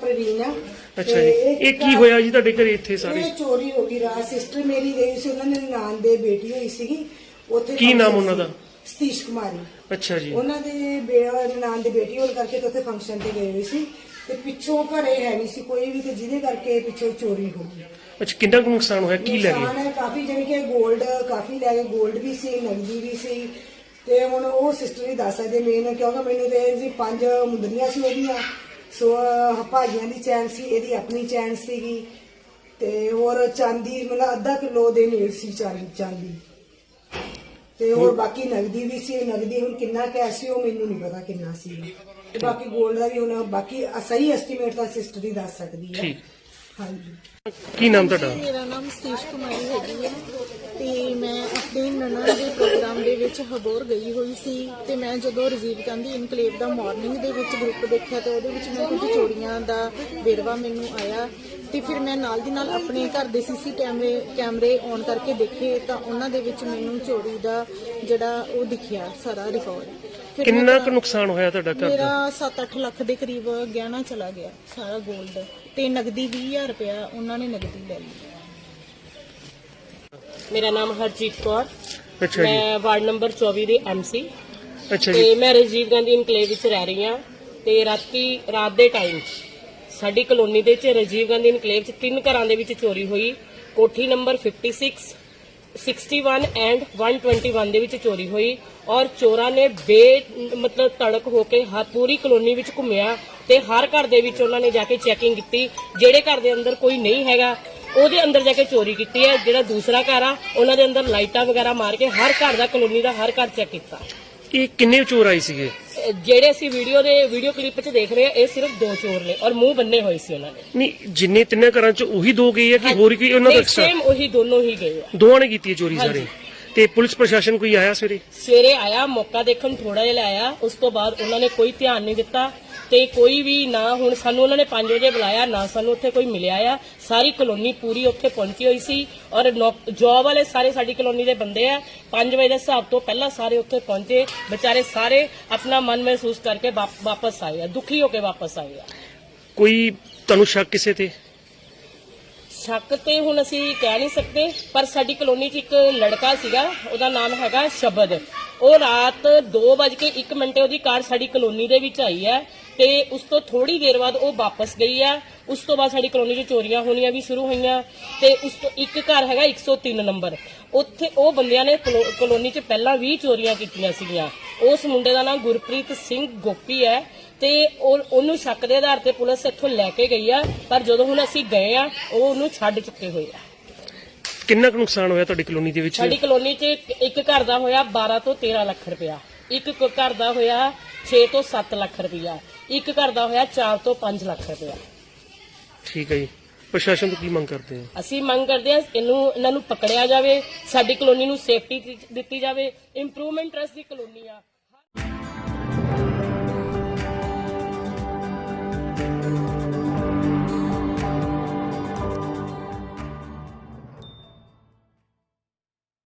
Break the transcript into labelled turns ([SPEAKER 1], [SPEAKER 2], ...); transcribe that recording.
[SPEAKER 1] ਪ੍ਰਵੀਨ ਆ।
[SPEAKER 2] ਅੱਛਾ ਜੀ, ਇਹ ਕੀ ਹੋਇਆ ਜੀ ਤੁਹਾਡੇ ਘਰੇ ਇੱਥੇ ਸਾਰੇ?
[SPEAKER 1] ਇਹ ਚੋਰੀ ਹੋ ਗਈ ਰਾਤ। ਸਿਸਟਰ ਮੇਰੀ ਗਈ ਸੀ, ਉਹਨਾਂ ਦੇ ਨਨਾਣ ਦੇ ਬੇਟੀ ਹੋਈ ਸੀਗੀ ਉੱਥੇ।
[SPEAKER 2] ਕੀ ਨਾਮ ਉਹਨਾਂ ਦਾ?
[SPEAKER 1] ਸਤੀਸ਼ ਕੁਮਾਰੀ।
[SPEAKER 2] ਅੱਛਾ ਜੀ।
[SPEAKER 1] ਉਹਨਾਂ ਦੇ ਨਨਾਣ ਦੀ ਬੇਟੀ ਹੋਣ ਕਰਕੇ ਉੱਥੇ ਫੰਕਸ਼ਨ ਤੇ ਗਏ ਹੋਏ ਸੀ ਤੇ ਪਿੱਛੋਂ ਘਰੇ ਹੈ ਨਹੀਂ ਸੀ ਕੋਈ ਵੀ, ਤੇ ਜਿਹਦੇ ਕਰਕੇ ਪਿੱਛੋਂ ਚੋਰੀ ਹੋ ਗਈ।
[SPEAKER 2] ਅੱਛਾ, ਕਿੰਨਾ ਕੁ ਨੁਕਸਾਨ ਹੋਇਆ, ਕੀ ਲੈ
[SPEAKER 1] ਨੁਕਸਾਨ
[SPEAKER 2] ਗਏ?
[SPEAKER 1] ਹੈ ਕਾਫੀ, ਜਿਵੇਂ ਕਿ 골ਡ ਕਾਫੀ ਲੈ ਗਏ, 골ਡ ਵੀ ਸੀ, ਨਗਦੀ ਵੀ ਸੀ। ਤੇ ਹੁਣ ਉਹ ਸਿਸਟਰ ਹੀ ਦੱਸ ਸਕਦੇ ਮੇਨ, ਕਿਉਂਕਿ ਮੈਨੂੰ ਤੇ ਜੀ 5 ਮੁੰਦਰੀਆਂ ਸੀ ਉਹਦੀਆਂ, ਸੋ ਭਾਜੀਆਂ ਦੀ ਚੈਨ ਸੀ, ਇਹਦੀ ਆਪਣੀ ਚੈਨ ਸੀਗੀ, ਤੇ ਹੋਰ ਚਾਂਦੀ ਮਤਲਬ ਅੱਧਾ ਕਿਲੋ ਦੇ ਨੇੜ ਸੀ ਚਾਂਦੀ, ਤੇ ਹੋਰ ਬਾਕੀ ਨਗਦੀ ਵੀ ਸੀ। ਨਗਦੀ ਹੁਣ ਕਿੰਨਾ ਕੈਸ਼ ਸੀ ਉਹ ਮੈਨੂੰ ਨਹੀਂ ਪਤਾ ਕਿੰਨਾ ਸੀ, ਤੇ ਬਾਕੀ 골ਡ ਦਾ ਵੀ ਹੁਣ ਬਾਕੀ ਸਹੀ ਐਸਟੀਮੇਟ ਤਾਂ ਸਿਸਟਰ ਹੀ ਦੱਸ ਸਕਦੀ ਹੈ। ਹਾਂਜੀ।
[SPEAKER 2] ਕੀ ਨਾਮ ਤੁਹਾਡਾ?
[SPEAKER 3] ਮੇਰਾ ਨਾਮ ਸਤੀਸ਼ ਕੁਮਾਰੀ ਹੈਗੀ ਹੈ ਤੇ ਮੈਂ ਆਪਣੇ ਨਨਾਣ ਦੇ ਪ੍ਰੋਗਰਾਮ ਦੇ ਵਿੱਚ ਹਬੋਰ ਗਈ ਹੋਈ ਸੀ ਤੇ ਮੈਂ ਜਦੋਂ ਰਾਜੀਵ ਗਾਂਧੀ ਇਨਕਲੇਵ ਦਾ ਮਾਰਨਿੰਗ ਦੇ ਵਿੱਚ ਗਰੁੱਪ ਦੇਖਿਆ ਤੇ ਉਹਦੇ ਵਿੱਚ ਮੈਂ ਕੁਝ ਚੋਰੀਆਂ ਦਾ ਵੇਰਵਾ ਮੈਨੂੰ ਆਇਆ ਤੇ ਫਿਰ ਮੈਂ ਨਾਲ ਦੀ ਨਾਲ ਆਪਣੇ ਘਰ ਦੇ ਸੀਸੀ ਕੈਮਰੇ ਔਨ ਕਰਕੇ ਦੇਖੇ ਤਾਂ ਉਹਨਾਂ ਦੇ ਵਿੱਚ ਮੈਨੂੰ ਚੋਰੀ ਦਾ ਜਿਹੜਾ ਉਹ ਦਿਖਿਆ ਸਾਰਾ ਰਿਕਾਰਡ।
[SPEAKER 2] ਕਿੰਨਾ ਕੁ ਨੁਕਸਾਨ ਹੋਇਆ ਤੁਹਾਡਾ ਘਰ ਦਾ?
[SPEAKER 3] ਮੇਰਾ 7-8 ਲੱਖ ਦੇ ਕਰੀਬ ਗਹਿਣਾ ਚਲਾ ਗਿਆ, ਸਾਰਾ 골ਡ ਤੇ ਨਗਦੀ 20,000 ਰੁਪਇਆ ਉਹਨਾਂ ਨੇ ਨਗਦੀ ਲੈ ਲਈ।
[SPEAKER 4] ਮੇਰਾ ਨਾਮ ਹਰਜੀਤ ਕੌਰ।
[SPEAKER 2] ਅੱਛਾ ਜੀ।
[SPEAKER 4] ਮੈਂ ਵਾਰਡ ਨੰਬਰ 24 ਦੀ ਐਮਸੀ
[SPEAKER 2] ਅੱਛਾ ਜੀ।
[SPEAKER 4] ਤੇ ਮੈਂ ਰਾਜੀਵ ਗਾਂਧੀ ਇਨਕਲੇਵ ਵਿੱਚ ਰਹਿ ਰਹੀ ਹਾਂ ਤੇ ਰਾਤ ਦੇ ਟਾਈਮ ਸਾਡੀ ਕਲੋਨੀ ਦੇ ਵਿੱਚ ਰਾਜੀਵ ਗਾਂਧੀ ਇਨਕਲੇਵ 'ਚ 3 ਘਰਾਂ ਦੇ ਵਿੱਚ ਚੋਰੀ ਹੋਈ। ਕੋਠੀ ਨੰਬਰ 56, 61 ਐਂਡ 121 ਦੇ ਵਿੱਚ ਚੋਰੀ ਹੋਈ ਔਰ ਚੋਰਾਂ ਨੇ ਮਤਲਬ ਤੜਕ ਹੋ ਕੇ ਪੂਰੀ ਕਲੋਨੀ ਵਿੱਚ ਘੁੰਮਿਆ ਤੇ ਹਰ ਘਰ ਦੇ ਵਿੱਚ ਉਹਨਾਂ ਨੇ ਜਾ ਕੇ ਚੈਕਿੰਗ ਕੀਤੀ। ਜਿਹੜੇ ਘਰ ਦੇ ਅੰਦਰ ਕੋਈ ਨਹੀਂ ਹੈਗਾ ਉਹਦੇ ਅੰਦਰ ਜਾ ਕੇ ਚੋਰੀ ਕੀਤੀ ਹੈ। ਜਿਹੜਾ ਦੂਸਰਾ ਘਰ ਆ ਉਹਨਾਂ ਦੇ ਅੰਦਰ ਲਾਈਟਾਂ ਵਗੈਰਾ ਮਾਰ ਕੇ ਹਰ ਘਰ ਦਾ, ਕਲੋਨੀ ਦਾ ਹਰ ਘਰ ਚੈੱਕ ਕੀਤਾ।
[SPEAKER 2] ਇਹ ਕਿੰਨੇ ਚੋਰ ਆਏ ਸੀਗੇ?
[SPEAKER 4] ਜਿਹੜੇ ਅਸੀਂ ਵੀਡੀਓ ਕਲਿੱਪ 'ਚ ਦੇਖ ਰਹੇ ਆ ਇਹ ਸਿਰਫ 2 ਚੋਰ ਨੇ ਔਰ ਮੂੰਹ ਬੰਨੇ ਹੋਏ ਸੀ ਉਹਨਾਂ ਨੇ।
[SPEAKER 2] ਨਹੀਂ, ਜਿੰਨੇ 3 ਘਰਾਂ ਚ ਉਹੀ 2 ਗਏ ਆ ਕਿ ਹੋਰ ਕੋਈ ਉਹਨਾਂ ਦਾ ਐਕਸਟਰਾ?
[SPEAKER 4] ਸੇਮ ਉਹੀ ਦੋਨੋਂ ਹੀ ਗਏ ਆ।
[SPEAKER 2] ਦੋਵਾਂ ਨੇ ਕੀਤੀ ਹੈ ਚੋਰੀ ਸਾਰੇ? ਤੇ ਪੁਲਿਸ ਪ੍ਰਸ਼ਾਸਨ ਕੋਈ ਆਇਆ
[SPEAKER 4] ਸਵੇਰੇ ਆਇਆ, ਮੌਕਾ ਦੇਖਣ ਥੋੜਾ ਜਿਹਾ ਆਇਆ, ਉਸ ਤੋਂ ਬਾਅਦ ਉਹਨਾਂ ਨੇ ਕੋਈ ਧਿਆਨ ਨਹੀਂ ਦਿੱਤਾ ਤੇ ਕੋਈ ਵੀ ਨਾ। ਹੁਣ ਸਾਨੂੰ ਉਹਨਾਂ ਨੇ 5 ਵਜੇ ਬੁਲਾਇਆ, ਨਾ ਸਾਨੂੰ ਉੱਥੇ ਕੋਈ ਮਿਲਿਆ ਆ। ਸਾਰੀ ਕਲੋਨੀ ਪੂਰੀ ਉੱਥੇ ਪਹੁੰਚੀ ਹੋਈ ਸੀ ਔਰ ਜੌਬ ਵਾਲੇ ਸਾਰੇ ਸਾਡੀ ਕਲੋਨੀ ਦੇ ਬੰਦੇ ਆ। 5 ਵਜੇ ਦੇ ਹਿਸਾਬ ਤੋਂ ਪਹਿਲਾਂ ਸਾਰੇ ਉੱਥੇ ਪਹੁੰਚੇ। ਵਿਚਾਰੇ ਸਾਰੇ ਆਪਣਾ ਮਨ ਮਹਿਸੂਸ ਕਰਕੇ ਵਾਪਸ ਆਏ ਆ, ਦੁਖੀ ਹੋ ਕੇ ਵਾਪਸ ਆਏ ਆ।
[SPEAKER 2] ਕੋਈ ਤੁਹਾਨੂੰ ਸ਼ੱਕ ਕਿਸੇ ਤੇ?
[SPEAKER 4] ਸ਼ੱਕ ਤੇ ਹੁਣ ਅਸੀਂ ਕਹਿ ਨਹੀਂ ਸਕਦੇ, ਪਰ ਸਾਡੀ ਕਲੋਨੀ 'ਚ ਇੱਕ ਲੜਕਾ ਸੀਗਾ, ਉਹਦਾ ਨਾਮ ਹੈਗਾ ਸ਼ਬਦ। ਉਹ ਰਾਤ 2:01 ਉਹਦੀ ਕਾਰ ਸਾਡੀ ਕਲੋਨੀ ਦੇ ਵਿੱਚ ਆਈ ਹੈ ਤੇ ਉਸ ਤੋਂ ਥੋੜੀ ਦੇਰ ਬਾਅਦ ਉਹ ਵਾਪਸ ਗਈ ਆ। ਉਸ ਤੋਂ ਬਾਅਦ ਸਾਡੀ ਕਲੋਨੀ 'ਚ ਚੋਰੀਆਂ ਹੋਣੀਆਂ ਵੀ ਸ਼ੁਰੂ ਹੋਈਆਂ ਤੇ ਉਸ ਤੋਂ ਇੱਕ ਘਰ ਹੈਗਾ 103 ਨੰਬਰ, ਉੱਥੇ ਉਹ ਬੰਦਿਆਂ ਨੇ ਕਲੋਨੀ 'ਚ ਪਹਿਲਾਂ 20 ਚੋਰੀਆਂ ਕੀਤੀਆਂ ਸੀਗੀਆਂ। ਉਸ ਮੁੰਡੇ ਦਾ ਨਾਮ ਗੁਰਪ੍ਰੀਤ ਸਿੰਘ ਗੋਪੀ ਹੈ ਤੇ ਉਹਨੂੰ ਸ਼ੱਕ ਦੇ ਆਧਾਰ ਤੇ ਪੁਲਿਸ ਇੱਥੋਂ ਲੈ ਕੇ ਗਈ ਆ, ਪਰ ਜਦੋਂ ਹੁਣ ਅਸੀਂ ਗਏ ਆ ਉਹ ਉਹਨੂੰ ਛੱਡ ਚੁੱਕੇ ਹੋਏ ਆ।
[SPEAKER 2] ਕਿੰਨਾ ਕੁ ਨੁਕਸਾਨ ਹੋਇਆ ਤੁਹਾਡੀ ਕਲੋਨੀ ਦੇ ਵਿੱਚ?
[SPEAKER 4] ਸਾਡੀ ਕਲੋਨੀ 'ਚ ਇੱਕ ਘਰ ਦਾ ਹੋਇਆ 12 ਤੋਂ 13 ਲੱਖ ਰੁਪਇਆ, ਇੱਕ ਘਰ ਦਾ ਹੋਇਆ 6 ਤੋਂ 7 ਲੱਖ ਰੁਪਇਆ, ਇੱਕ ਘਰ ਦਾ ਹੋਇਆ 4 ਤੋਂ 5 ਲੱਖ ਰੁਪਇਆ।
[SPEAKER 2] ਠੀਕ ਹੈ ਜੀ। ਪ੍ਰਸ਼ਾਸਨ ਤੋਂ ਕੀ ਮੰਗ ਕਰਦੇ ਆ?
[SPEAKER 4] ਅਸੀਂ ਮੰਗ ਕਰਦੇ ਆ ਇਹਨਾਂ ਨੂੰ ਪਕੜਿਆ ਜਾਵੇ, ਸਾਡੀ ਕਲੋਨੀ ਨੂੰ ਸੇਫਟੀ ਦਿੱਤੀ ਜਾਵੇ। ਇੰਪਰੂਵਮੈਂਟ ਟਰਸਟ ਦੀ ਕਲੋਨੀ ਆ।